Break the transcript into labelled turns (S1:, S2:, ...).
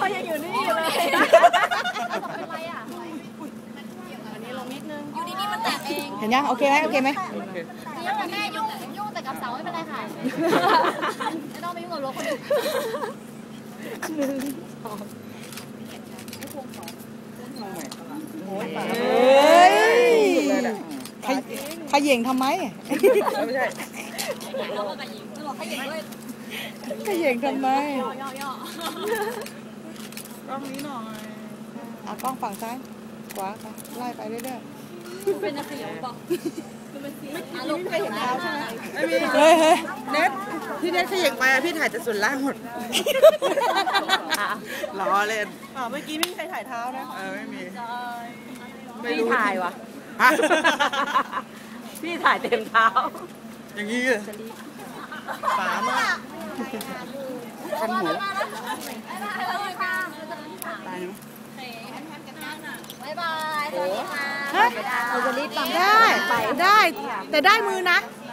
S1: ยังอยู่นี่อยู่เลยเป็นไรอ่ะอันนี้ลงนิดนึงอยู่ดีๆมันแตกเอง
S2: เห็นยังโอเคไหมโอเคไหม
S1: ยังแต่แม่ยุ่งแต่กับเสาไม่เป็นไรค่ะไม่ต้องไปยุ่งกับรถคนอื่น
S2: เฮ้ยขย่งทำไมไม่ใช่ขย่งทำไมกล้องนี้หน่อยกล้องฝั่งซ้ายขวาไปไล่ไปเรื่อยๆ
S1: เป็นอะไรบอกลูกเคยเห็นเท้าใช่ไหม
S2: ไม่มีเฮ้ย
S3: เน็ตพี่เน็ตขย่งไปพี่ถ่ายแต่ส่วนล่างหมดล้อเล่น
S2: เมื่อกี้ไม่มีใครถ่ายเท้านะ
S3: ไม่มี
S1: พี่ถ่ายวะ
S3: พี่ถ่ายเต็มเท้าอย่างนี้เลยฝามากคันหูตายไหม
S1: บ๊ายบายสวัสดีค่ะ
S2: ได้แต่ได้มือนะ